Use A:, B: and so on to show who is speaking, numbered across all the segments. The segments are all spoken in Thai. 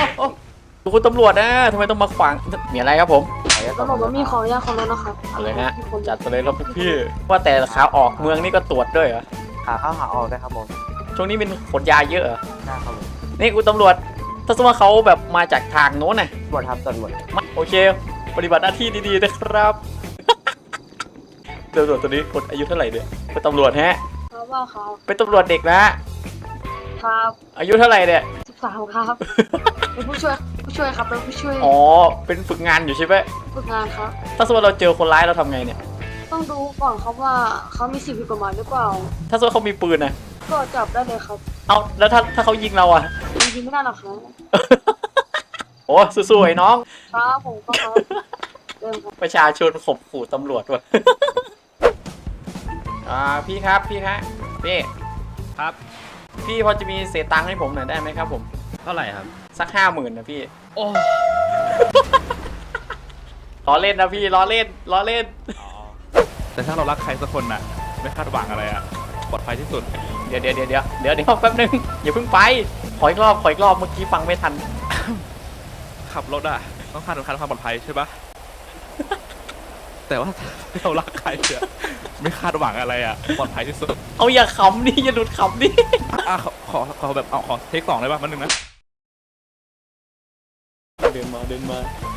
A: คุณตำรวจนะทำไมต้องมาขวางมีอะไรครับผม
B: ก็บอกว่ามีของยาของรถนะครับ
A: เอาเลยฮะจัดไปเลยครับพวกพี่ว่าแต่ขาออกเมืองนี่ก็ตรวจด้วยเหรอ
C: ขาเข้าขาออกได้ครับผม
A: ช่วงนี้เป็นขนยาเยอะเหรอ
C: ได้ครับผม
A: นี่คุณตำรวจถ้าสมมติว่าเขาแบบมาจากทางโน้นน่ะ
C: ตรวจครับตรวจ
A: โอเค ปฏิบัติหน้าที่ดีๆนะครับ ตำรวจตัวนี้คนอายุเท่าไหร่เนี่ยเป็นตำรวจฮะ
B: ครับว่าครับ
A: เป็นตำรวจเด็กนะ
B: ครับ
A: อายุเท่าไหร่เนี่ย
B: 13ครับเป็นผู้ช่วยครับเป็นผู้ช่วย
A: อ๋อเป็นฝึกงานอยู่ใช่ไหม
B: ฝึกงานครับ
A: ถ้าสมมติเราเจอคนร้ายเราทำไงเนี่ย
B: ต้องดูก่อนครับว่าเขามีสิ่งผิดกฎหมายหรือเปล่า
A: ถ้าสมมติเขามีปืนนะ
B: ก็จับได้เลยครับ
A: เอาแล้วถ้าเขายิงเราอะ
B: จริงๆไม่ได้หรอกครับ
A: โอ้สู้ๆไอ้น้อง
B: ครับผมก็ครับเริ่มครับ
A: ประชาชนข่มขู่ตำรวจว่ะ พี่ครับพี่ฮะพี่
D: ครับ
A: พี่พอจะมีเศษตังค์ให้ผมหน่อยได้ไหมครับผม
D: เท่าไหร่ครับ
A: สัก50,000นะพี่
D: โอ้
A: ล้อเล่นนะพี่ล้อเล่นล้อเล่น
D: แต่ถ้าเรารักใครสักคนน่ะ ไม่คาดหวังอะไรอ่ะ ปลอดภัยที่สุด
A: เดี๋ยวแป๊บนึงอย่าเพิ่งไปขออีกรอบเมื่อกี้ฟังไม่ทัน
D: ขับรถอ่ะ ต้องคาดหวังความปลอดภัยใช่ปะ แต่ว่าถ้าเรารักใครเนี่ยไม่คาดหวังอะไรอ่ะ ปลอดภัยที่สุด
A: เอาอย่าขำดิอย่าหลุดขำดิ
D: ขอแบบขอเทค2ได้ป่ะมันนึงนะ
A: เดินมา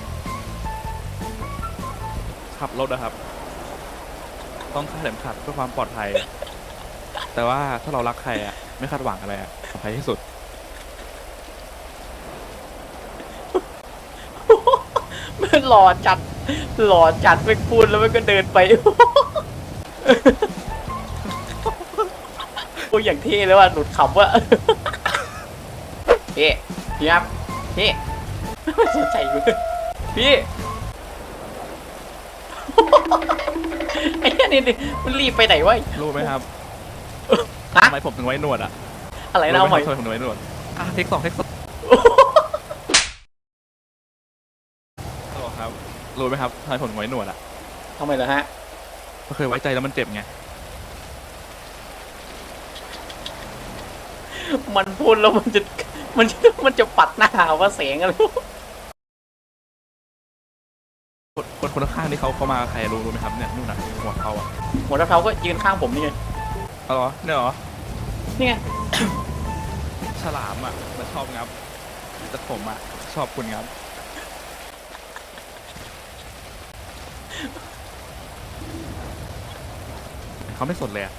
D: ขับรถนะครับ ต้องคาดเข็มขัดเพื่อความปลอดภัย แต่ว่าถ้าเรารักใครอ่ะ ไม่คาดหวังอะไรอ่ะ ปลอดภัยที่สุด
A: มันหล่อจัดไปพูดแล้วมันก็เดินไป โอ้ยอย่างเท่เลยว่ะหลุดขำว่ะ พี่ครับพี่ไม่สนใจกูเลยพี่ ไอ้เนี่ยนี่มันรีบไปไหนวะ
D: รู้ไหมครับ
A: ฮะ
D: ทำไมผมถึงไว้หนวดอ่ะ
A: อะไรนะเอาใหม่
D: ทำไมผมถึงไว้หนวดเทค2ฮัลโหลครับ รู้ไหมครับทำไมผมถึงไว้หนวดอ่ะ
A: ทำไมเหรอฮะ
D: ก็เคยไว้ใจแล้วมันเจ็บไง
A: มันพูดแล้วมันจะปัดหน้าว่าเสียงอะไร
D: คนข้างๆที่เขามาใครรู้ไหมครับเนี่ยนู่นน่ะหัวเขาอ่ะ
A: หัวเท้าก็ยืนข้างผมนี่ไง
D: อ๋อเหรอเนี่ยเหรอ
A: นี่ไง
D: ฉลามอ่ะมันชอบงับแต่ผมอ่ะชอบคุณงับเขาไม่สนเลยอ่ะ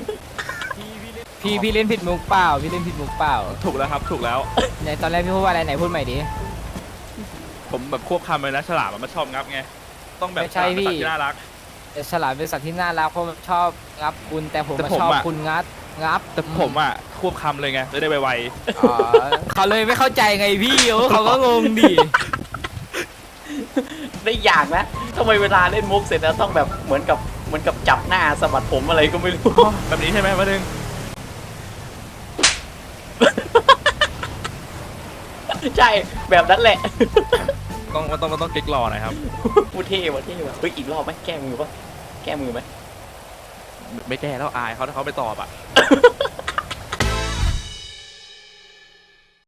E: พี่เล่นผิดมุกเปล่าพี่เล่นผิดมุกเปล่า
D: ถูกแล้วครับถูกแล้ว
E: ในตอนแรกพี่พูดว่าอะไรไหนพูดใหม่ดิ
D: ผมแบบควบคำเลยนะฉลามอะมันชอบงับไงต้องแบบ
E: ไม่ใช่
D: ฉลามเป็น
E: พี่
D: สัตว์ที่น่ารัก
E: แต่ฉลามเป็นสัตว์ที่น่ารักเพราะมันชอบงับคุณแต่ผม
D: แต่
E: มา
D: ผม
E: ชอบ
D: อะ
E: คุณงับ
D: แต่ผมอ่ะควบคำเลยไงจะได้ไว
E: อ๋อเขาเลยไม่เข้าใจไงพี่เขาก็งงดิ
A: ได้อย่างนะทำไมเวลาเล่นมุกเสร็จแล้วต้องแบบเหมือนกับจับหน้าสะบัดผมอะไรก็ไม่รู้
D: ๆแบบนี้ใช่ไหมมาดึง
A: ใช่แบบนั้นแหละ
D: มันต้องเก๊กรอหน่อยครับ
A: พูดเท่ว่ะเฮ้ยอีกรอบไหมแก้มือปะแก้มือไหม
D: ไม่แก้แล้วอายเขาถ้าเขาไม่ตอบอ่ะ